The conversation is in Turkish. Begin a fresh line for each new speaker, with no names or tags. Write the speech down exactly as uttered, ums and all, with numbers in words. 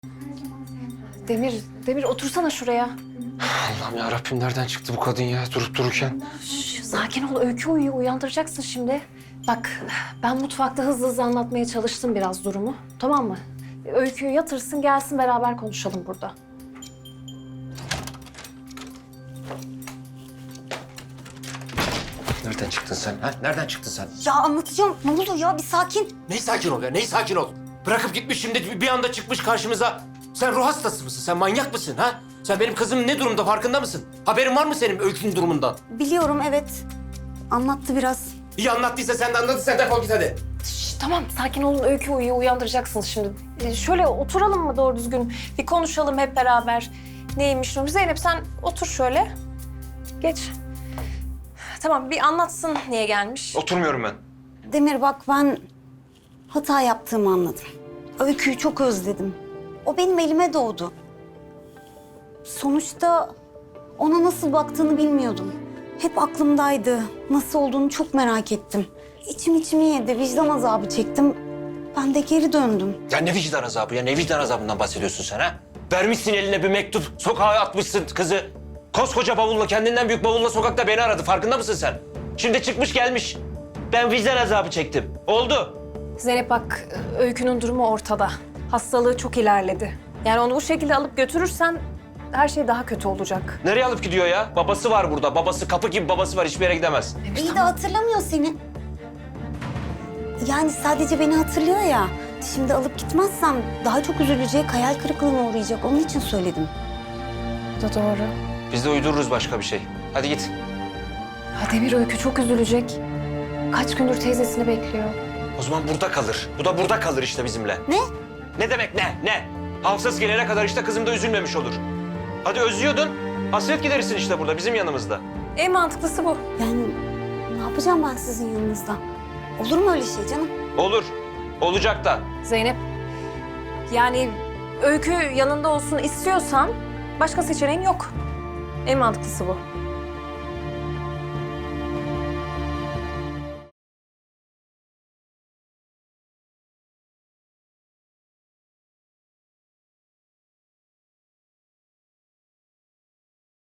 Demir, Demir otursana şuraya.
Allah'ım ya Rabbim, nereden çıktı bu kadın ya durup dururken?
Şş, sakin ol, Öykü uyuyor, uyandıracaksın şimdi. Bak, ben mutfakta hızlı hızlı anlatmaya çalıştım biraz durumu, tamam mı? Öykü'yü yatırsın, gelsin beraber konuşalım burada.
Nereden çıktın sen ha? Nereden çıktın sen?
Ya anlatacağım. Ne oldu ya? Bir sakin.
Ney sakin ol ya, ney sakin ol? Bırakıp gitmiş şimdi bir anda çıkmış karşımıza. Sen ruh hastası mısın? Sen manyak mısın ha? Sen benim kızım ne durumda farkında mısın? Haberin var mı senin Öykü'nün durumundan?
Biliyorum evet. Anlattı biraz.
İyi anlattıysa sen de anladın, sen defol git hadi.
Şş, tamam, sakin olun, Öykü uyuyor, uyandıracaksınız şimdi. Ee, şöyle oturalım mı doğru düzgün? Bir konuşalım hep beraber. Neymiş durum? Zeynep sen otur şöyle. Geç. Tamam, bir anlatsın niye gelmiş.
Oturmuyorum ben.
Demir bak ben hata yaptığımı anladım. Öykü'yü çok özledim. O benim elime doğdu. Sonuçta ona nasıl baktığını bilmiyordum. Hep aklımdaydı. Nasıl olduğunu çok merak ettim. İçim içimi yedi, vicdan azabı çektim. Ben de geri döndüm.
Ya ne vicdan azabı ya, ne vicdan azabından bahsediyorsun sen ha? Vermişsin eline bir mektup, sokağa atmışsın kızı. Koskoca bavulla, kendinden büyük bavulla sokakta beni aradı, farkında mısın sen? Şimdi çıkmış gelmiş. Ben vicdan azabı çektim. Oldu.
Zeynep bak, Öykü'nün durumu ortada. Hastalığı çok ilerledi. Yani onu bu şekilde alıp götürürsen her şey daha kötü olacak.
Nereye alıp gidiyor ya? Babası var burada. Babası kapı gibi babası var. Hiçbir yere gidemez.
İyi de hatırlamıyor seni. Yani sadece beni hatırlıyor ya. Şimdi alıp gitmezsem daha çok üzülecek, hayal kırıklığına uğrayacak. Onun için söyledim.
Bu da doğru.
Biz de uydururuz başka bir şey. Hadi git.
Ha Demir, Öykü çok üzülecek. Kaç gündür teyzesini bekliyor.
O zaman burada kalır. Bu da burada kalır işte bizimle.
Ne?
Ne demek ne? Ne? Hafsız gelene kadar işte kızım da üzülmemiş olur. Hadi özlüyordun. Hasret giderirsin işte burada bizim yanımızda.
En mantıklısı bu.
Yani ne yapacağım ben sizin yanınızda? Olur mu öyle şey canım?
Olur. Olacak da.
Zeynep, yani Öykü yanında olsun istiyorsan başka seçeneğin yok. En mantıklısı bu.